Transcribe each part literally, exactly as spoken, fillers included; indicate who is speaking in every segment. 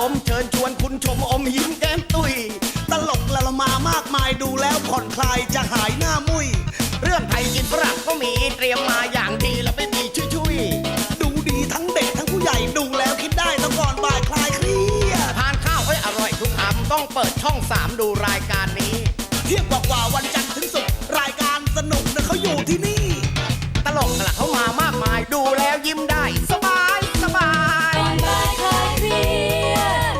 Speaker 1: มณ์เชิญชวนคุณชมอมยิ้มแก้มตุยตลกละละมามากมายดูแล้วผ่อนคลายจะหายหน้ามุยเรื่องไทยกินฝรั่งก็มีเตรียมมาอย่างดีแล้วไม่มีชุยๆดูดีทั้งเด็กทั้งผู้ใหญ่ดูแล้วคิดได้ต้องก่อนบ่ายคลายเครียดทานข้าวให้อร่อยทุกคำต้องเปิดช่องสามดูรายการนี้เที่ยงกว่าวันจันทร์ถึงศุกร์รายการสนุกนะเขาอยู่ที่นี่ตลกละเขามามากมายดูแล้วยิ้มได้สบายสบาย
Speaker 2: ก่อนบ่ายคลายเครียด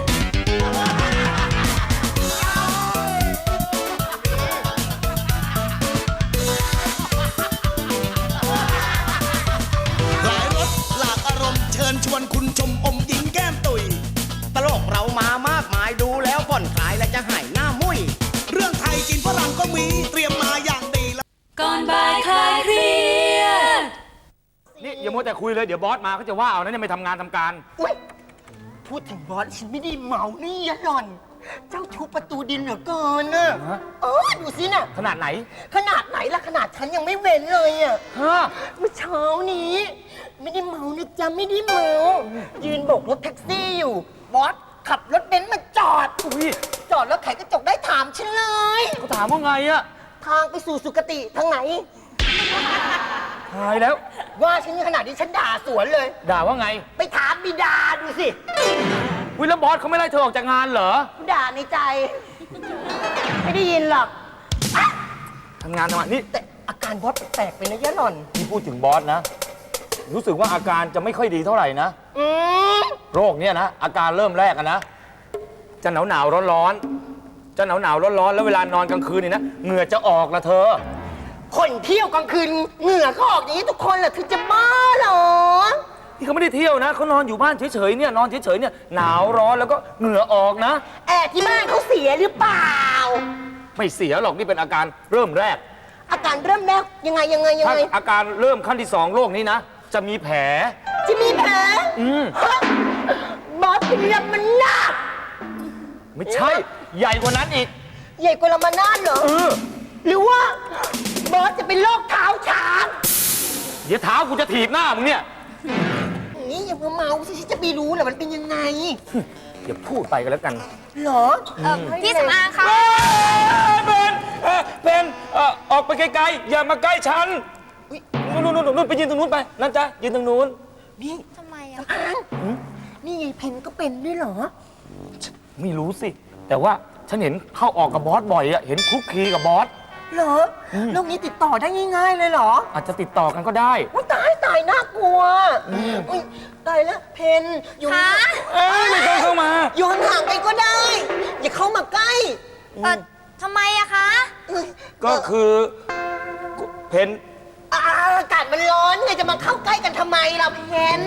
Speaker 1: หลายรสหลากอารมณ์เชิญชวนคุณชมอมยิ้มแก้มตุยตลกเรามามากมายดูแล้วผ่อนคลายและจะหายหน้ามุยเรื่องไทยกินฝรั่งก็มีเตรียมมาอย่างดีแล้ว
Speaker 2: ก่อนบ่ายคลายเครียด
Speaker 3: นี่อย่ามัวแต่คุยเลยเดี๋ยวบอสมาเขาจะว่าเอานะเนี่ยไม่ทำงานทำการ
Speaker 4: อุ๊ยพูดถึงบอสฉันไม่ได้เมานี่ยะหล่อน เจ้าชู้ประตูดินเหลือเกินน่ะเออดูสิน่ะ
Speaker 3: ขนาดไหน
Speaker 4: ขนาดไหนล่ะขนาดฉันยังไม่เว้นเลยอ่ะ
Speaker 3: ฮะ
Speaker 4: เมื่อเช้านี้ ไม่ได้เมานะจ๊ะไม่ได้เมายืนโบกรถแท็กซี่อยู่บอสขับรถเบนซ์มาจอดจอดแล้วไขกระจกได้ถามฉันเลย
Speaker 3: เขาถามว่าไงอะ
Speaker 4: ทางไปสู่สุคติทางไหน
Speaker 3: ตายแล้ว
Speaker 4: ว่าฉันขนาดนี้ฉันด่าสวนเลย
Speaker 3: ด่าว่าไง
Speaker 4: ไปถามบิดาดูสิ
Speaker 3: วิแล้วบอสเขาไม่ไล่เธอออกจากงานเหรอ
Speaker 4: ด่าในใจไม่ได้ยินหรอก
Speaker 3: ทำงานทำงานนี่
Speaker 4: แต่อาการบอสแปลกไปนะยะหล่อน
Speaker 3: ที่พูดถึงบอสนะรู้สึกว่าอาการจะไม่ค่อยดีเท่าไหร่นะโรคเนี้ยนะอาการเริ่มแรกอะนะจะหนาวหนาวร้อนร้อนจะหนาวหนาวร้อนร้อนแล้วเวลานอนกลางคืนนี่นะเหงื่อจะออกละเธอ
Speaker 4: คนเที่ยวกลางคืนเหงื่อเขาออกอย่างนี้ทุกคนแหละคือจะบ้าเหรอ
Speaker 3: ที่เขาไม่ได้เที่ยวนะเขานอนอยู่บ้านเฉยๆเนี่ยนอนเฉยๆเนี่ยหนาวร้อนแล้วก็เหงื่อออกนะ
Speaker 4: แอร์ที่บ้านเขาเสียหรือเปล่า
Speaker 3: ไม่เสียหรอกนี่เป็นอาการเริ่มแรก
Speaker 4: อาการเริ่มแรกยังไงยังไงยังไง
Speaker 3: อาการเริ่มขั้นที่สองโรคนี้นะจะมีแผล
Speaker 4: จะมีแผล
Speaker 3: อืม
Speaker 4: บอสเป็นลำมันนาด
Speaker 3: ไม่ใช่ใหญ่กว่านั้นอีก
Speaker 4: ใหญ่กว่าลำมันนาดเหรอ
Speaker 3: เออ
Speaker 4: หรือว่าบอสจะเป็นโรคเท้าช้าง
Speaker 3: เดี๋ยวเท้ากูจะถีบหน้ามึงเนี่ย
Speaker 4: นี่อย่ามาเมาสิฉันจะไปรู้แหละมันเป็นยังไง
Speaker 3: อย่าพูดไปกันแล้วกัน
Speaker 4: เหรอ
Speaker 2: พี่สำอางคะ
Speaker 3: เป็นเป็นออกไปไกลๆอย่ามาใกล้ฉันนู่นนู่นนู่นไปยืนตรงนู้นไปนั่นจ้ะยืนตรงนู้น
Speaker 4: นี่
Speaker 2: ทำไมอ่ะ
Speaker 4: นี่ไงเพนก็เป็นด้วยเหรอ
Speaker 3: ไม่รู้สิแต่ว่าฉันเห็นเข้าออกกับบอสบ่อยอะเห็นคลุกคลีกับบอส
Speaker 4: เหรอโรคนี้ติดต่อได้ง่ายๆเลยเหรอ
Speaker 3: อาจจะติดต่อกันก็ได้
Speaker 4: ตายตายน่ากลัวตายแล้วเพนอยู่
Speaker 3: เอ้ยไม่ต้องเข้ามา
Speaker 4: อยู่ห่างๆไปก็ได้อย่าเข้ามาใกล้
Speaker 2: ทำไมอะคะ
Speaker 3: ก็คือเพน
Speaker 4: อากาศมันร้อนไงจะมาเข้าใกล้กันทำไมเราเพน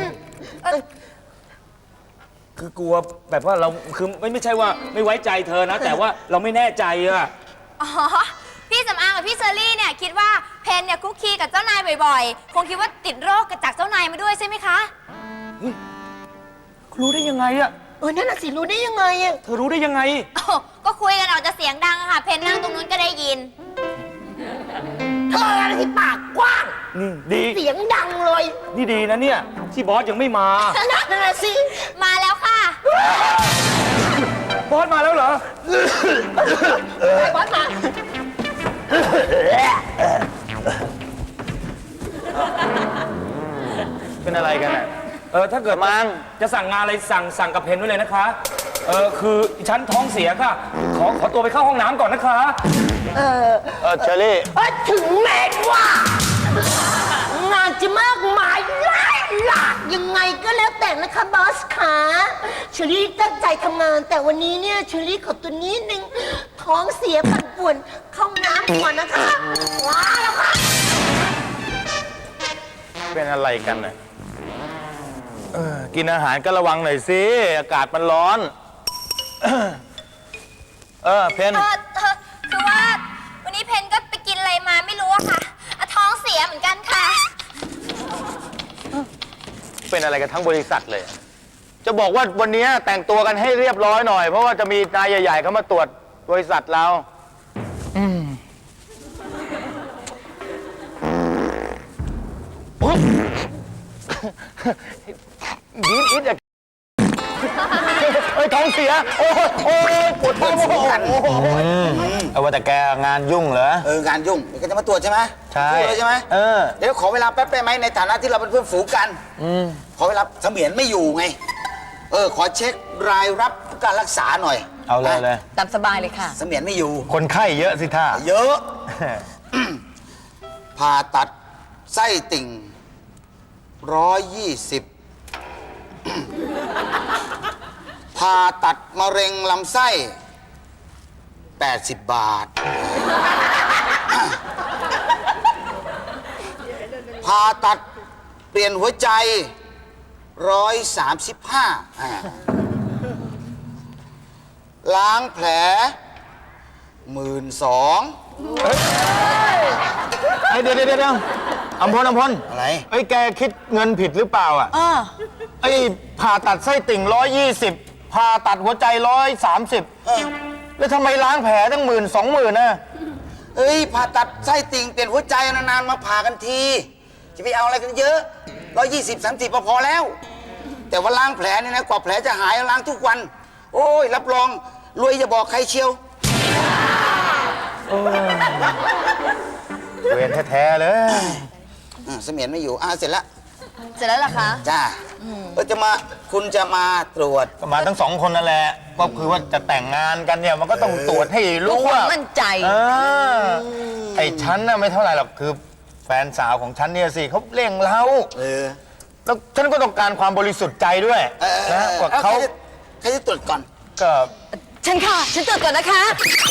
Speaker 3: คือกลัวแบบว่าเราคือไม่ไม่ใช่ว่าไม่ไว้ใจเธอนะแต่ว่าเราไม่แน่ใจอะ
Speaker 2: อ๋อพี่สำอางกับพี่เชอรี่เนี่ยคิดว่าเพนเนี่ยคุกคีกับเจ้านายบ่อยๆคงคิดว่าติดโรคจากเจ้านายมาด้วยใช่ไหมคะ
Speaker 3: รู้ได้ยังไงอะ
Speaker 4: เออนั่นน่ะสิรู้ได้ยังไงอะ
Speaker 3: เธอรู้ได้ยังไง
Speaker 2: ก็คุยกันออกจะเสียงดังค่ะเพนนั่งตรงนู้นก็ได้ยิน
Speaker 4: เธออะไรที่ปากกว้าง
Speaker 3: นี่ดี
Speaker 4: เสียงดังเลย
Speaker 3: นี่ดีนะเนี่ยที่บอสยังไม่มา
Speaker 4: นั่นน่ะสิ
Speaker 2: มาแล้วค่ะ
Speaker 3: บอสมาแล้วเหรอ
Speaker 4: ไอ้บอสมา
Speaker 3: เป็นอะไรกันอ่ะเออถ้าเกิดมังจะสั่งงานอะไรสั่งสั่งกับเพนไว้เลยนะคะเออคือฉันท้องเสียค่ะขอขอตัวไปเข้าห้องน้ำก่อนนะคะ
Speaker 4: เออ
Speaker 3: เออเชอรี่
Speaker 4: ถึงแม้ว่างานจะมากมายหลายหลากยังไงก็แล้วแต่นะคะบอสขาเชอรี่ตั้งใจทำงานแต่วันนี้เนี่ยเชอรี่ขอตัวนี้นึงท้องเสียปั่นป่วนเข้าน้ำก่อนนะคะว้าแล้วค่ะ
Speaker 3: เป็นอะไรกันน่ะกินอาหารก็ระวังหน่อยสิอากาศมันร้อนเออเพน
Speaker 2: คือว่าวันนี้เพนก็ไปกินอะไรมาไม่รู้อะค่ะท้องเสียเหมือนกันค่ะ
Speaker 3: เป็นอะไรกันทั้งบริษัทเลยจะบอกว่าวันนี้แต่งตัวกันให้เรียบร้อยหน่อยเพราะว่าจะมีนายใหญ่ๆเขามาตรวจบริษัทเราอืมยิ้มอิดอะเฮ้ยท้องเสีย โอ้ยโอ้ยปวดท้องโอ้ยเอาว่าแต่แกงานยุ่งเหรอ
Speaker 5: เอองานยุ่งเดี๋ยวก็จะมาตรวจใช่ไหม
Speaker 3: ใช่
Speaker 5: พูดเลยใช่ไหม
Speaker 3: เออ
Speaker 5: เดี๋ยวขอเวลาแป๊บได้ไหมในฐานะที่เราเป็นเพื่อนฝูงกันขอเวลาเสมียนไม่อยู่ไง เออ ขอเช็ครายรับการรักษาหน่อย
Speaker 3: เอาเลยเลย
Speaker 2: ตามสบายเลยค่ะ
Speaker 5: เสมียนไม่อยู่
Speaker 3: คนไข้เยอะสิท่า
Speaker 5: เยอะ ผ่าตัดไส้ติ่งร้อยยี่สิบผ่าตัดมะเร็งลำไส้แปดสิบบาท ผ่าตัดเปลี่ยนหัวใจร้อยสามสิบห้าล้างแผลหมื่นสอง
Speaker 3: ไอ้เดี๋ยวเดี๋ยวเดี๋ยวอำพลอำพล
Speaker 5: อะไร
Speaker 3: ไอ้แกคิดเงินผิดหรือเปล่าอ่ะ
Speaker 2: เออ
Speaker 3: ไอ้ผ่าตัดไส้ติ่งร้อยยี่สิบผ่าตัดหัวใจร้อยสามสิบแล้วทำไมล้างแผลตั้งหมื่นสองหมื่นนะ
Speaker 5: เอ้ยผ่าตัดไส้ติ่งเปลี่ยนหัวใจนานๆมาผ่ากันที จะไปเอาอะไรกันเยอะร้อยยี่สิบสามสิบพอแล้ว แต่ว่าล้างแผลนี่นะกว่าแผลจะหายล้างทุกวัน โอ้ยรับรองรวยอย่าบอกใครเชียว
Speaker 3: เวรแท้ๆเลย
Speaker 5: อ่ะเสมียนไม่อยู่อ่ะเสร็จแล้ว
Speaker 2: เสร็จแล้วเหรอคะ
Speaker 5: จ้าก็จะมาคุณจะมาตรวจ
Speaker 3: ก็มาทั้งสองคนนั่นแหละ ก็คือว่าจะแต่งงานกันเนี่ย มันก็ต้องตรวจให้รู้ว่า
Speaker 2: มั่นใจ
Speaker 3: เออไอ้ฉันน่ะไม่เท่าไหร่หรอก คือแฟนสาวของฉันเนี่ยสิเขาเร่งเร้า
Speaker 5: เออ
Speaker 3: แล้วฉันก็ต้องการความบริสุทธิ์ใจด้วย
Speaker 5: เออ
Speaker 3: นะกว่า
Speaker 5: ออ
Speaker 3: เขา
Speaker 5: ใครจะใครจะตรวจก่อน
Speaker 3: ก็
Speaker 2: ฉันค่ะ ฉันตรวจก่อนนะคะ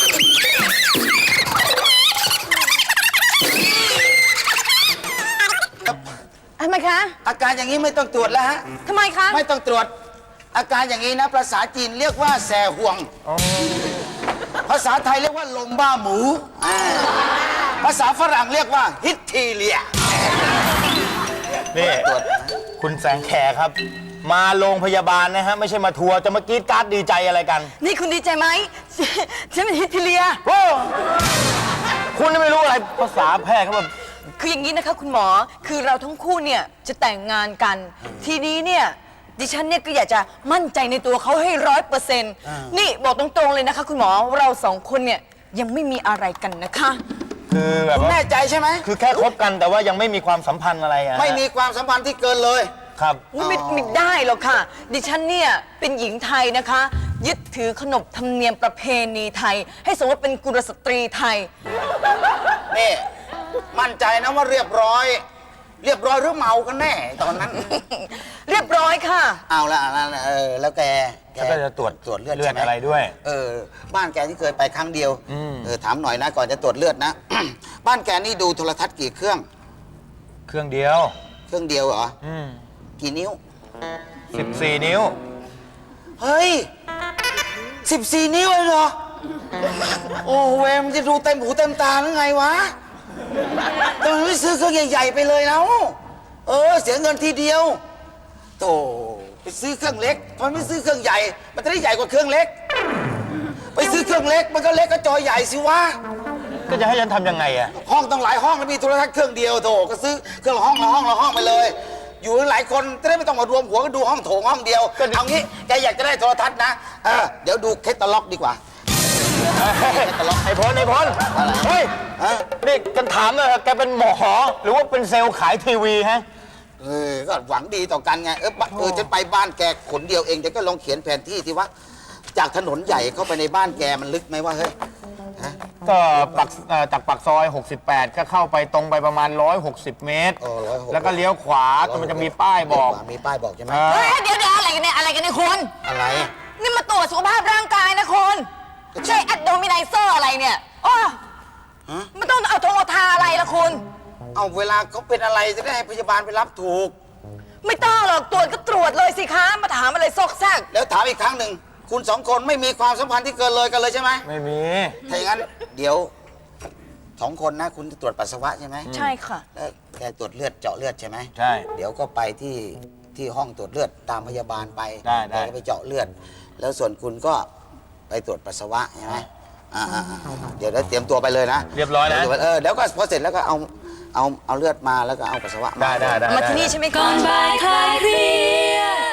Speaker 2: ทำไมคะ
Speaker 5: อาการอย่างนี้ไม่ต้องตรวจแล้วฮะ
Speaker 2: ทำไมคะ
Speaker 5: ไม่ต้องตรวจ อาการอย่างนี้นะภาษาจีนเรียกว่าแสห่วง ภาษาไทยเรียกว่าลมบ้าหมูอ่าภาษาฝรั่งเรียกว่าฮิตทีเลีย
Speaker 3: นี่คุณแสงแขครับ มาโรงพยาบาลนะฮะ ไม่ใช่มาทัวร์จะมากรีดการ์ดดีใจอะไรกัน
Speaker 2: นี่คุณดีใจไหม ฉันเป็นฮิตเทเลีย
Speaker 3: โอ้คุณนี่ไม่รู้อะไรภาษาแพทย์เขาแบบ
Speaker 6: คืออย่างนี้นะคะคุณหมอ คือเราทั้งคู่เนี่ยจะแต่งงานกัน ทีนี้เนี่ยดิฉันเนี่ยก็อยากจะมั่นใจในตัวเขาให้ร้อยเปอร์เซ็นต์นี่บอกตรงๆเลยนะคะคุณหมอเราสองคนเนี่ยยังไม่มีอะไรกันนะคะ
Speaker 3: คือแบบว่า
Speaker 5: แน่ใจใช่ไหม
Speaker 3: คือแค่คบกันแต่ว่ายังไม่มีความสัมพันธ์อะไรอะ
Speaker 5: ไม่มีความสัมพันธ์ที่เกินเลย
Speaker 3: ครับ
Speaker 6: อุ๊ยไม่ไม่ได้หรอกค่ะ ดิฉันเนี่ยเป็นหญิงไทยนะคะ ยึดถือขนบธรรมเนียมประเพณีไทย ให้สมว่าเป็นกุลสตรีไทย
Speaker 5: นี่ มั่นใจนะว่าเรียบร้อย เรียบร้อยหรือเมากันแน่ตอนนั้น
Speaker 6: เรียบร้อยค่ะ
Speaker 5: เอาละเอาละเออแล้วแกแ
Speaker 3: แล้วก็จะตรวจ
Speaker 5: ตรวจเลือด
Speaker 3: เลือด
Speaker 5: ใช่หม
Speaker 3: อะไรด้วย
Speaker 5: เออบ้านแกที่เคยไปครั้งเดียวเออถามหน่อยนะก่อนจะตรวจเลือดนะ บ้านแกนี่ดูโทรทัศน์กี่เครื่อง
Speaker 3: เครื่องเดียว
Speaker 5: เครื่องเดียวเหรอ
Speaker 3: อืม
Speaker 5: กี่นิ้ว
Speaker 3: สิบสี่นิ้ว
Speaker 5: เฮ้ยสิบสี่นิ้วเลยเหรอ โอ้เวมนจะดูเต็มหูเต็มตาหรือไงวะทำไมไม่ซื้อเครื่องใหญ่ๆไปเลยแล้วเออเสียเงินทีเดียวโธ่ไปซื้อเครื่องเล็กทำไมไม่ซื้อเครื่องใหญ่ มันจะได้ใหญ่กว่าเครื่องเล็ก ไปซื้อเครื่องเล็กมันก็เล็กก็จอใหญ่สิวะ
Speaker 3: ก็จะให้ฉันทำยังไงอะ
Speaker 5: ห้องต้องหลายห้องแล้วมีโทรทัศน์เครื่องเดียวโถก็ซื้อเครื่องละห้องละห้องละห้องไปเลย อยู่หลายคนจะได้ไม่ต้องมารวมหัวกันดูห้องโถงห้องเดียวเอางี้แกอยากจะได้โทรทัศน์นะเออเดี๋ยวดูแคตตาล็อกดีกว่า
Speaker 3: ไอ้พลไอ้พลเฮ้ย
Speaker 5: ฮะ
Speaker 3: นี่กันถามเลยแกเป็นหมอหรือว่าเป็นเซลล์ขายทีวีฮะ
Speaker 5: เออก็หวังดีต่อกันไงเออบ้านเออฉันไปบ้านแกขนเดียวเองแต่ก็ลองเขียนแผนที่ที่ว่าจากถนนใหญ่เข้าไปในบ้านแกมันลึกไหมว่าเฮ้ยฮะ
Speaker 3: ก็ปักเอ่อจากปากซอย หกสิบแปด ก็เข้าไปตรงไปประมาณ หนึ่งร้อยหกสิบ เมตร
Speaker 5: เออร้อยหก
Speaker 3: แล้วก็เลี้ยวขวาก็มันจะมีป้ายบอก
Speaker 5: มีป้ายบอกใช่ไหม
Speaker 3: เออ
Speaker 6: เฮ้ยเดี๋ยวเดี๋ยวอะไรกันเนี่ยอะไรกันเนี่ยคุณ
Speaker 5: อะไร
Speaker 6: นี่มาตรวจสุขภาพร่างกายนะคุณใช่แอดโดมิไนเซอร์อะไรเนี่ยโอ้มันต้องเอาทงเอาทาอะไรล่ะคุณ
Speaker 5: เอาเวลาเขาเป็นอะไรจะได้ให้พยาบาลไปรับถูก
Speaker 6: ไม่ต้องหรอกตรวจก็ตรวจเลยสิคะมาถามอะไรซอกแซก
Speaker 5: แล้วถามอีกครั้งหนึ่งคุณสองคนไม่มีความสัมพันธ์ที่เกินเลยกันเลยใช่ไหม
Speaker 3: ไม่มี
Speaker 5: ถ้าอย่างนั้นเดี๋ยวสองคนนะคุณจะตรวจปัสสาวะใช่ไหม
Speaker 6: ใช่ค่ะ
Speaker 5: แล้วแกตรวจเลือดเจาะเลือดใช่ไหม
Speaker 3: ใช่
Speaker 5: เดี๋ยวก็ไปที่ที่ห้องตรวจเลือดตามพยาบาลไป
Speaker 3: ได้ได้
Speaker 5: แกก็ไปเจาะเลือด แล้วส่วนคุณก็ไปตรวจปัสสาวะใช่ไหมอ่าอ่าอ่าเดี๋ยวเราเตรียมตัวไปเลยนะ
Speaker 3: เรียบร้อยนะ
Speaker 5: เออเดี๋ยวก็พอเสร็จแล้วก็เอาเอาเอาเลือดมาแล้วก็เอาปัสสาวะมา
Speaker 3: ได้ได้ได้
Speaker 6: มาที่นี่ใช่ไหมคะ
Speaker 7: ก่อนบ่ายคลายเครียด